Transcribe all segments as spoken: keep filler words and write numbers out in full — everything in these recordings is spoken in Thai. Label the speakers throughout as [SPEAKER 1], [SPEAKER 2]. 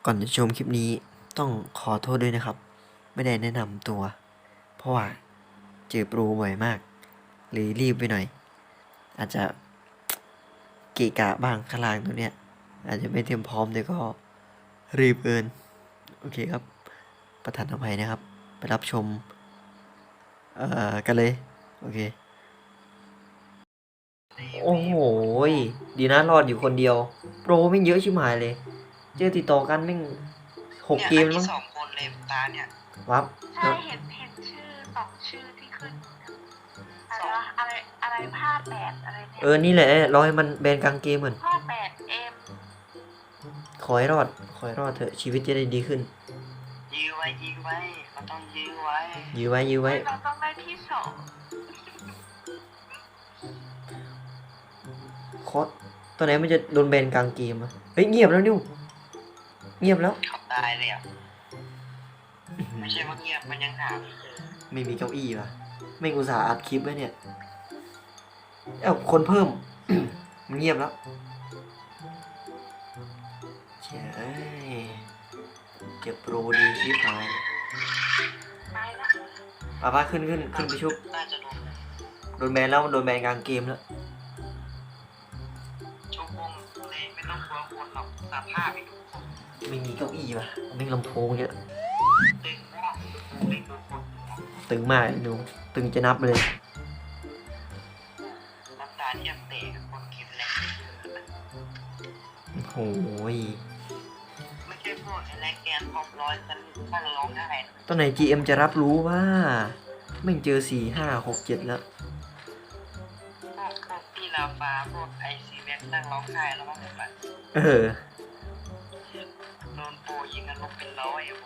[SPEAKER 1] ก่อนจะชมคลิปนี้ต้องขอโทษด้วยนะครับไม่ได้แนะนำตัว เพราะว่าเจอโปรบ่อยมากหรือรีบไปหน่อย อาจจะเกะกะบ้างข้างล่างตัวเนี้ยอาจจะไม่เตรียมพร้อมแต่ก็รีบเกินโอเคครับ ประทานอภัยนะครับ ไปรับชมเอ่อกันเลยโอเคโอ้โหดีนะรอดอยู่คนเดียวโปรไม่เยอะชิบหายเลยเจอติดต่อกันแม่งหกเกมมั้ง
[SPEAKER 2] สองคนเลยตาเนี่ย
[SPEAKER 1] วับ
[SPEAKER 3] ใช่เห็นเห็นชื่อสองชื่อที่ขึ้นอะไรวะอะไรอะไรผ้าแปดอะไรเนี่ย
[SPEAKER 1] เออนี่แหละรอให้มันแบนกลางเกมก่อน
[SPEAKER 3] ผ้าแปดเอ็ม
[SPEAKER 1] ขอให้รอดขอให้รอดเถอะชีวิตจะได้ดีขึ้น
[SPEAKER 2] ยื้อไว้ยื้อไว้เขาต้องยื้อไว้
[SPEAKER 1] ยื้อไว้ยื้อไว้
[SPEAKER 3] เราต้องได้ที่สอง
[SPEAKER 1] โคตรตัวไหนมันจะโดนแบนกลางเกมอะเฮ้ยเงียบแล้วนิวเงียบแล้ว
[SPEAKER 2] เขาตายเลยอ่ะไม่ใช่ว่าเงียบมันยังหาไม่เจอ
[SPEAKER 1] ไม่มีเก้าอี้ว่ะไม่อุตส่าห์อัดคลิปไว้เนี่ยเอ้าคนเพิ่ม มันเงียบแล้วเจ้ยเก็บโปรดีชิบหาย
[SPEAKER 3] ไปละ
[SPEAKER 1] ป้าป้าขึ้นขึ้นขึ้นไปชุบ
[SPEAKER 2] น่าจะโดน
[SPEAKER 1] โดนแบนแล้วโดนแบนกลางเกมแล้ว
[SPEAKER 2] ชุบวงเลยไม่ต้องกลัวคนหรอกสภาพไปดูคน
[SPEAKER 1] ไม่มีเก้าอี้ว่ะไม่ลำโพงเยอะ
[SPEAKER 2] ตึงว่าไม่ดูคน
[SPEAKER 1] ตึงมากนิวตึงจะนับเลย
[SPEAKER 2] น้ำตาที่ยังเตะคนกินแรง
[SPEAKER 1] โอ้โห
[SPEAKER 2] ไม่ใช่พวกแรงแกนพร้อมร้อยฉันถ้าเราร้องได้
[SPEAKER 1] ตอนไหน จี เอ็ม จะรับรู้ว่าไม่เจอสี่ห้าหกเจ็ดแล้ว
[SPEAKER 2] พวกพวกพี่ลาฟ้าพวกไอซีแม็กนั่งร้องไห้แล้วว่าแบบ
[SPEAKER 1] เออ
[SPEAKER 2] โดนโปยิงกันลบเป็นร้อยอ่ะผม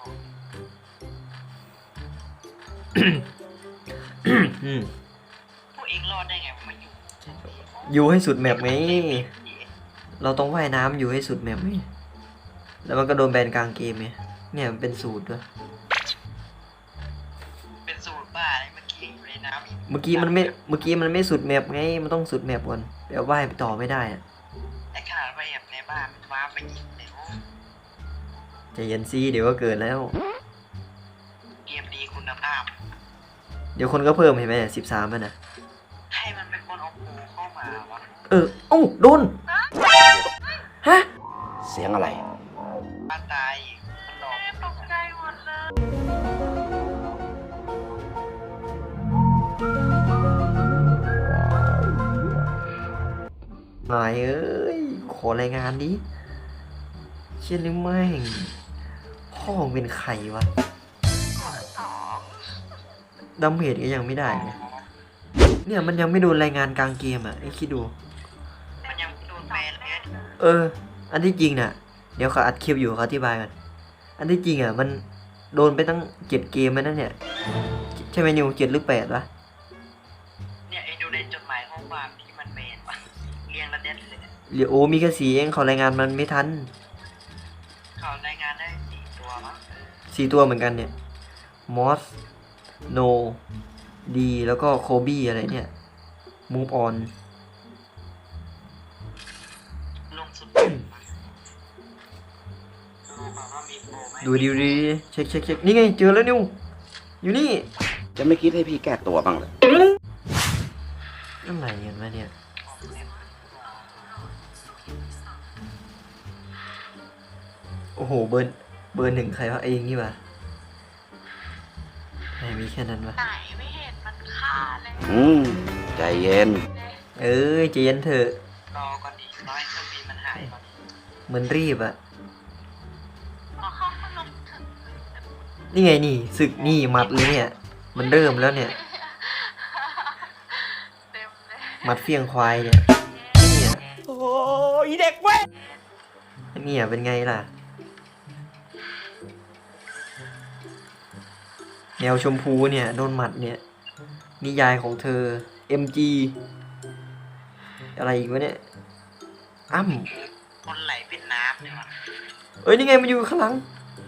[SPEAKER 1] อืม
[SPEAKER 2] พวกเองรอดได้ไงผมมาอยู่
[SPEAKER 1] อยู่ให้สุดแมปไงเราต้องว่ายน้ำอยู่ให้สุดแมปไงแล้วมันก็โดนแบนกลางเกมไงเนี่ยมันเป็นสูตรด้วย
[SPEAKER 2] เป็นสูตรบ้าเลยเมื่อกี้อยู่ในน้ำอีก
[SPEAKER 1] เมื่อกี้มันไม่เมื่อกี้มันไม่สุดแมปไงมันต้องสุดแมปก่อนเดี๋ยวว่ายไปต่อไม่ได้อะ
[SPEAKER 2] ไอ้ขนาดไปแอบในบ้านมันว้าไปยิงเลยโอ้
[SPEAKER 1] ใจเย็นซีเดี๋ยวก็เกิดแล้ว
[SPEAKER 2] เกมดีคุณภาพ
[SPEAKER 1] เดี๋ยวคนก็เพิ่มเห็นไหมสิบสามมันนะ
[SPEAKER 2] ให้มันเป็นคนเอาปูเข้ามาวะ
[SPEAKER 1] เออเอ้าโดนฮะ
[SPEAKER 4] เสียงอะไร
[SPEAKER 2] บ้าตายอีกมันหลอก
[SPEAKER 3] แม่ตกใจหมดเลย
[SPEAKER 1] นายเอ้ยขอรายงานดิเช่นนี้แม่งพ่อมึงเป็นใครวะ
[SPEAKER 3] สอง
[SPEAKER 1] ดัมเมจก็ยังไม่ได้เลยเนี่ยมันยังไม่โดนรายงานกลางเกมอ่ะไอ้คิดดู
[SPEAKER 2] มันยังโดนแบนเลย
[SPEAKER 1] เออ อันที่จริงน่ะ เดี๋ยวเขาอัดคลิปอยู่เขาอธิบายกัน อันที่จริงอ่ะมันโดนไปตั้งเจ็ดเกมแล้วนั่นเนี่ย ใช่ไหมนิวเจ็ดหรือแปดวะ
[SPEAKER 2] เนี่ยไอ้ดูในจดหมายข้อความที่มันแบนวะเรียงระเด็ดเลย
[SPEAKER 1] เหลือโอ้มีแค่สีเองเขารายงานมันไม่ทัน
[SPEAKER 2] เขารายงานได้สี่ตัวมั้ง
[SPEAKER 1] สี่ตัวเหมือนกันเนี่ยมอสโนดีแล้วก็โคบี้อะไรเนี่ยมูฟออน
[SPEAKER 2] ลงสุดดูแบบว่ามีโปรไหม
[SPEAKER 1] ดูดีดีเช็คเช็คเช็คนี่ไงเจอแล้วนิวอยู่นี่
[SPEAKER 4] จะไม่คิดให้พี่แก้ตัวบ้างเลย
[SPEAKER 1] อะไรกันวะเนี่ยโอ้โหเบอร์เบอร์หนึ่งใครวะเองนี่วะไม่มีแค่นั้นวะ
[SPEAKER 3] ไหนไม่เห็นมันฆ่าเลย
[SPEAKER 4] อืม ใจเย็น
[SPEAKER 1] เอ้ยใจเย็นเถอะ
[SPEAKER 2] รอก่อนดีร้อยเครื่องบินมันหายก่อน
[SPEAKER 1] เหมือนรีบอะ
[SPEAKER 3] พอเขามาลงถึง
[SPEAKER 1] นี่ไงนี่ศึกนี่หมัดเลยเนี่ย มันเริ่มแล้วเนี่ย
[SPEAKER 3] เต็มเลย
[SPEAKER 1] หมัดเฟียงควายเนี่ยเนี่ย
[SPEAKER 4] โอ้ยเด็กเว้ย
[SPEAKER 1] เนี่ยเป็นไงล่ะแนวชมพูเนี่ยโดนหมัดเนี่ยนิยายของเธอ เอ็ม จี อะไรอีกวะเนี่ยอ้ำ
[SPEAKER 2] คนไหลเป็นน้ำเลยวะ
[SPEAKER 1] เอ้ยนี่ไงมันอยู่ข้างหลัง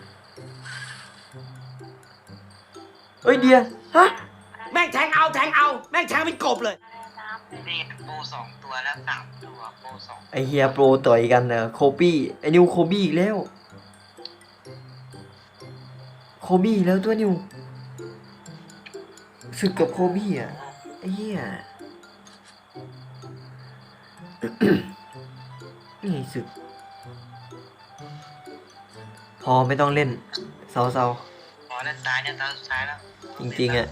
[SPEAKER 1] เอ้ยเดียฮะ
[SPEAKER 4] แม่งแทงเอาแทงเอา แม่งแทงเป็นกบเลย
[SPEAKER 3] น้ำเลย
[SPEAKER 2] นี่โปรสองตัวแล้วสามตัวโปรสอง
[SPEAKER 1] ไอเฮียโปรต่อยกันเนอะโคบี้ไอนิวโคบี้อีกแล้วโคบี้แล้วตัวนิวศึกกับโคบี้อ่ะไอ้เหี้ย นี่ศึก พอไม่ต้องเล่นเซาเซา
[SPEAKER 2] ขอด้านซ้ายเนี่ยตาสุดท้ายแล้ว
[SPEAKER 1] จริงๆอ่ะ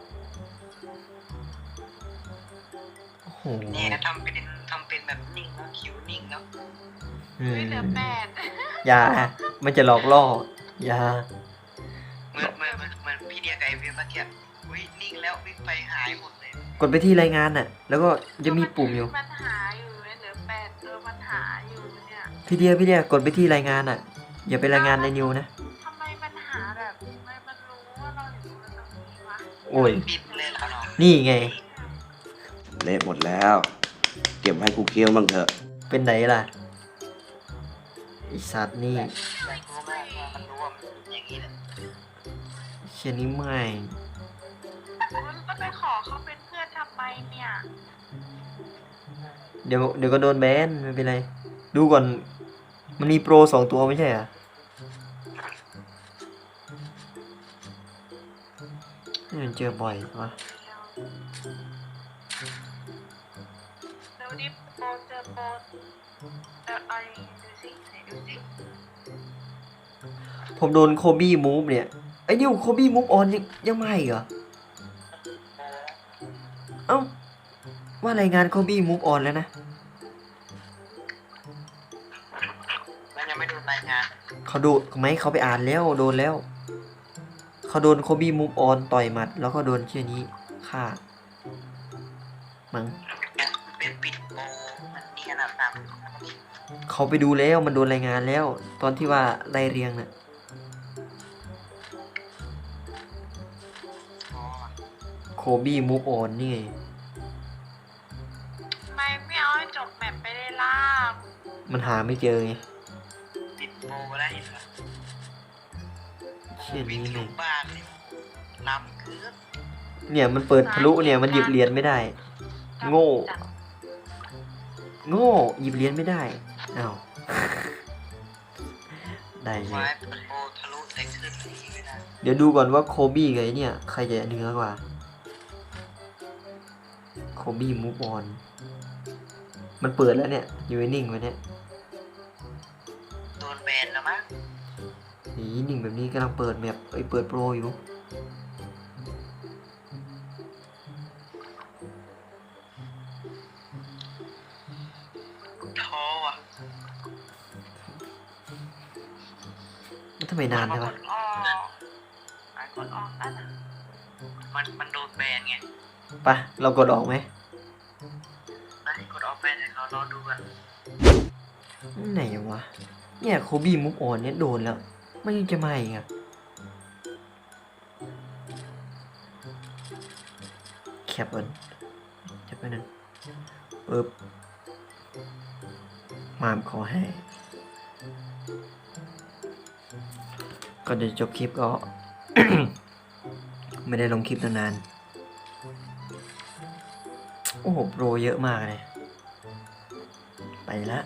[SPEAKER 1] โอ้โห
[SPEAKER 2] เนี่ยทำเป็นทำเป็นแบบนิ่งแล้วคิวนิ่งแล้ว
[SPEAKER 1] อืม
[SPEAKER 3] ไม่เหลือแปด
[SPEAKER 1] อย่า มันจะหลอกล่อ อย่า
[SPEAKER 2] เหมือนเหมือนเหมือนเหมือนพี่เดียกับไอเวียเมื่อกี้อุ้ยนิ่งแล้ววิ่งไปหายหมดเลย
[SPEAKER 1] กดไปที่รายงานน่ะ แล้วก็จะมีปุ่มอยู่
[SPEAKER 3] มันหาอยู่เนี่ยเหลือแปดเออมันหาอยู่เนี่ย
[SPEAKER 1] พี่เดียพี่เดียกดไปที่รายงานอ่ะ อย่าไปรายงานในนิวนะ
[SPEAKER 3] ทำไมมันหาแบบทำไมมันรู้ว่าเราอยู่ตรงนี้วะ
[SPEAKER 1] โอ้ย
[SPEAKER 2] ปิดเลยเหรอเนาะ
[SPEAKER 1] นี่ไง
[SPEAKER 4] เละหมดแล้ว เก็บให้กูเคี้ยวบ้างเถอะ
[SPEAKER 1] เป็นไหนล่ะไอสัตว์นี่
[SPEAKER 2] แต่รู้ไหมว่ามันรู้ว่ามันอย่างนี้แหละ
[SPEAKER 1] เชียนี้ไม่
[SPEAKER 3] มันก็ไปขอเขาเป็นเพื่อนทำไมเนี่ย
[SPEAKER 1] เดี๋ยวเดี๋ยวก็โดนแบนไม่เป็นไร ดูก่อน มันมีโปรสองตัวไม่ใช่เหรอนี่มันเจอบ่อยวะ
[SPEAKER 3] เดี๋ยวนี้โปรเจอโปรเดี๋ยวเอาอย่างงี้ดูสิไหนดูสิ
[SPEAKER 1] ผมโดนโคบี้มูฟเนี่ยไอ้นิวโคบี้มูฟออนยังยังไม่อีกเหรอ เอ้า ว่ารายงานโคบี้มูฟออนแล้วนะ
[SPEAKER 2] มันยังไม่ดูรายงาน
[SPEAKER 1] เขาดูไหมเขาไปอ่านแล้วโดนแล้ว เขาโดนโคบี้มูฟออนต่อยหมัด แล้วก็โดนเชี่ยนี้ฆ่ามั้ง
[SPEAKER 2] เป็นปิดโปมันนี่ขนาดนั้น
[SPEAKER 1] เขาไปดูแล้วมันโดนรายงานแล้ว ตอนที่ว่าไล่เรียงน่ะ
[SPEAKER 2] อ๋อ
[SPEAKER 1] โคบี้มูฟออนนี่ไง
[SPEAKER 3] ทำไมไม่เอาให้จบแมปไปเลยล่ะ
[SPEAKER 1] มันหาไม่เจอไง
[SPEAKER 2] ปิดโปได้เหรอ
[SPEAKER 1] เชี่ย
[SPEAKER 2] วิ่ง
[SPEAKER 1] นี้
[SPEAKER 2] ล
[SPEAKER 1] เลย
[SPEAKER 2] งบ้านเลยลำคือ
[SPEAKER 1] เนี่ยมันเปิดทะลุเนี่ยมันหยิบเหรียญไม่ได้ โง่ โง่หยิบเหรียญไม่ได้อ้าว ได้เล
[SPEAKER 2] ไม้
[SPEAKER 1] ย
[SPEAKER 2] เปิดโปทะลุใส่ขึ้นนี่ไม่ได้
[SPEAKER 1] เดี๋ยวดูก่อนว่าโคบี้กับไอ้เนี่ย ใครจะเหนือกว่า โคบี้มูฟออน มันเปิดแล้วเนี่ย อยู่นิ่งไว้เนี่ย
[SPEAKER 2] โดนแบนแล้วมั้ง
[SPEAKER 1] นี่นิ่งแบบนี้กำลังเปิดแมปไอยเปิดโปรอยู่
[SPEAKER 2] ท้ออ่ะ
[SPEAKER 1] มันทำไมนานใช่ปะ
[SPEAKER 3] กดออกอ่ะกดออกอ่ะนะ
[SPEAKER 2] มันมันโดนแบนไง
[SPEAKER 1] ไปะเรากดออกไหม
[SPEAKER 2] ไอ้กดออกแบนให้เขารอดูกัน
[SPEAKER 1] ไหนวะ เนี่ยโคบี้มูฟออนเนี่ยโดนแล้ว มันยังจะมาอีกอะแคปเอินจะไปนั่นปึ๊บมามขอให้ ก็เดี๋ยวจบคลิปก็ ไม่ได้ลงคลิปตั้งนาน โอ้โหโปรเยอะมากเลย ไปละ